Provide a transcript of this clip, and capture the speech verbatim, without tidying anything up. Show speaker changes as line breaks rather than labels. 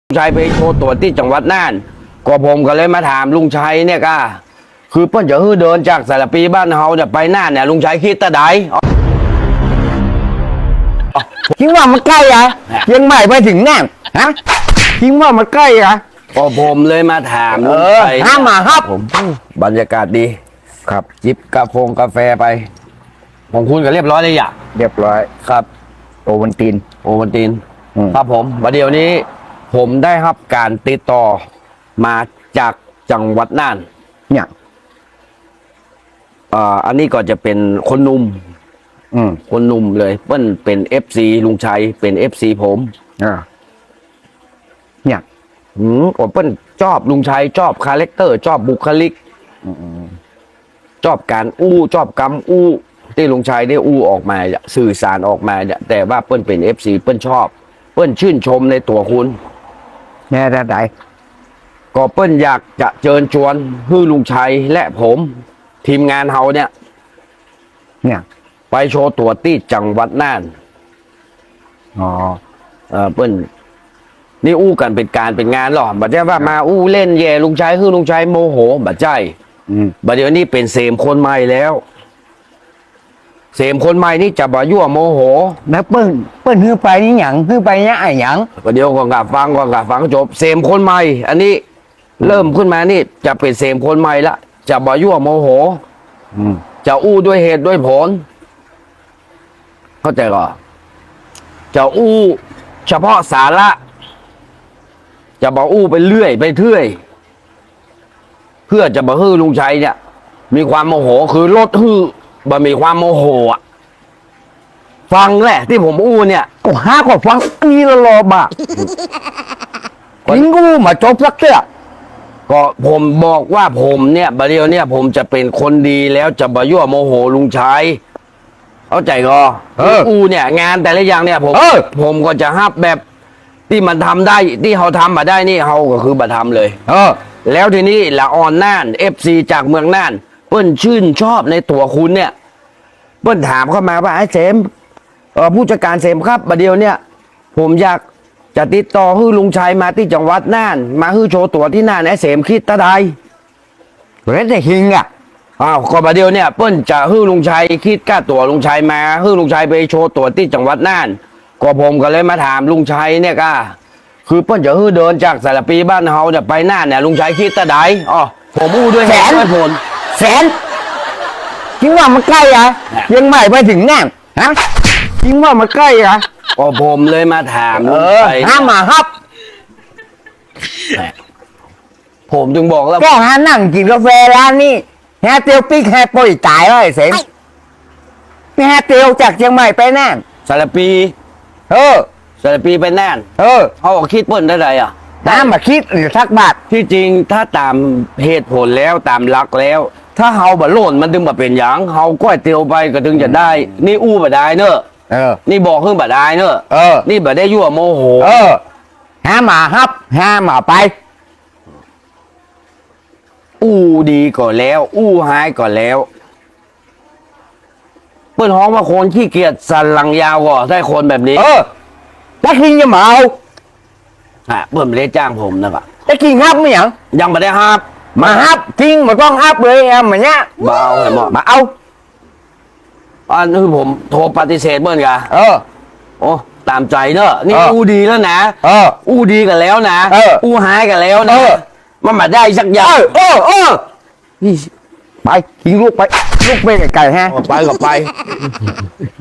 ชัยไปโชว์ตัวที่จังหวัดน่านก็ผมก็เลยมาถามลุงชัยเนี่ยก็คือเปิ้นจะฮื้อเดินจากสารปีบ้านเฮาเนี่ยไปน่านเนี่ยลุงชัยคิดตะได
คิดว่ามันใกล้อะยังไม่ไปถึงน่านฮะคิดว่ามันใกล้อะ
ก็ผมเลยมาถามลุงชัย
ห้ามมาครับ
ผมบรรยากาศดี
ครับ
จิบกาแฟกาแฟไปของคุณก็เรียบร้อยเลยอย่า
เรียบร้อย
ครับ
โอวันติน
โอวันตินครับผมวันเดียวนี้ผมได้รับการติดต่อมาจากจังหวัดน่าน
เนี่ย
อ่าอันนี้ก็จะเป็นคนหนุ่ม
อืม
คนหนุ่มเลยเปิ้ลเป็นเอฟซีลุงชัยเป็นเอฟซีผม
อ่าเนี่ย
อืมผมเปิ้ลชอบลุงชัยชอบคาแรคเตอร์ชอบบุคลิกชอบการอู้ชอบกำอู้ที่ลุงชัยได้อู้ออกมาสื่อสารออกมาเนี่ยแต่ว่าเปิ้ลเป็นเอฟซีเปิ้ลชอบเปิ้ลชื่นชมในตัวคุณ
แม่ได้ไหน
ก็เปิ้ลอยากจะเชิญชวนฮื้อลุงชัยและผมทีมงานเฮาเนี่ย
เนี่ย
ไปโชว์ตัวที่จังหวัดน่าน
อ๋อ
เออเปิ้ลนี่อู้กันเป็นการเป็นงานหรอบัดเจ้าว่ามาอู้เล่นแย่ลุงชัยฮื้อลุงชัยโมโหบัดใจบัดเดี๋ยวนี้เป็นเสมคนใหม่แล้วเสมคนใหม่นี่จะบ่ยั่วโมโห
แล้วเปิ้ลเปิ้ลฮื้อไปนี่หยังฮื้อไปเนี่ยไอ้หยัง
ก็เดี๋ยวก่อนกับฟังก่อนกับฟังจบเสมคนใหม่อันนี้เริ่มขึ้นมานี่จะเป็นเสมคนใหม่ละจะบ่ยั่วโมโหจะอู้ด้วยเหตุด้วยผลเข้าใจก่อนจะอู้เฉพาะสาระจะบ่อู้ไปเรื่อยไปเรื่อยเพื่อจะบ่ฮื้อลุงชัยเนี่ยมีความโมโหคือลดฮื้อบ่มีความโมโหอ่ะฟังแหละที่ผมอู้เนี่ย
ก็ห้าก็ฟังนี่ละรอบอ่ะทิ้งกูมาจบสักเตี้ย
ก็ผมบอกว่าผมเนี่ยบัดเดียวเนี่ยผมจะเป็นคนดีแล้วจะบ่ยั่วโมโหลุงชัยเข้าใจก็อูเนี่ยงานแต่ละอย่างเนี่ยผมผมก็จะฮับแบบที่มันทำได้ที่เขาทำมาได้นี่เขาก็คือบัทำเลย
เออ
แล้วทีนี้ละออนน่านเอฟซีจากเมืองน่านเปิ้ลชื่นชอบในตัวคุณเนี่ยเปิ้ลถามเข้ามาว่าไอ้เสมเออผู้จัดการเสมครับบัดเดียวเนี่ยผมอยากจะติดต่อฮื้อลุงชัยมาที่จังหวัดน่านมาฮื้อโชว์ตัวที่น่านไอ้เสมคิดตะได
เรดได้ฮิงอ่ะ
อ้าวก็ประเดี๋ยวเนี่ยเปิ้ลจะฮื้อลุงชัยคิดค่าตั๋วลุงชัยมาฮื้อลุงชัยไปโชว์ตั๋วที่จังหวัดน่านก็ผมก็เลยมาถามลุงชัยเนี่ยก็คือเปิ้ลจะฮื้อเดินจากสารปีบ้านเฮาจะไปน่านเนี่ยลุงชัยคิดตะไดอ๋อผมอู้ด้วย
แสน
ผล
แสนคิดว่ามันใกล้อะยังไม่ไปถึงน่านฮะคิดว่ามันใกล้อะ
ก็ผมเลยมาถามลุงชัย
ห้ามมาครับ
ผมจึงบอกแล้ว
ก็หานั่งกินกาแฟร้านนี้แฮเตียวปิ๊กแฮปอยจ่ายไว้เสร็จนี่แฮเตียวจากเชียงใหม่ไปน่าน
สารปี
เออ
สารปีไปน่าน
เออ
เขาบอกคิดเปิ้ลได้ไรอ่ะ
น้ำมาคิดหรือทักบาท
ที่จริงถ้าตามเหตุผลแล้วตามหลักแล้ว ถ้าเฮาบ่โล่นมันถึงมาเป็นอย่างเฮาก้อยเตียวไปก็ถึงจะได้นี่อู้บ่ได้เนอะ
เออ
นี่บอกขึ้นบ่ได้เนอะ
เออ
นี่บ่ได้ยั่วโมโห
เออห้ามาครับห้ามาไป
อู้ดีก่อนแล้วอู้หายก่อนแล้วเปิ้นฮ้องว่าคนขี้เกียจสันหลังยาวก็ได้คนแบบนี้
เออตะคิงจะมาเอา
ฮะเปิ้นไม่ได้จ้างผมนะครับ
ตะคิงฮับไม่ยัง
ยังไม่ได้ฮับ
มาฮับทิ้งมาต้องฮับเลยแอมแบบเนี้ย
มาเอาไงมา
มาเอา
อันนี้ผมโทรปฏิเสธเปิ้นกะ
เออ
โอ้ตามใจเนอะนี่อู้ดีแล้วนะ
เออ
อู้ดีกันแล้วนะ
เออ
อู้หายกันแล้วนะมันมาได้สักอย่าง
เออเออนี่ไปทิ้งลูกไปลูกไปไกลๆฮะ
ไปก็ไป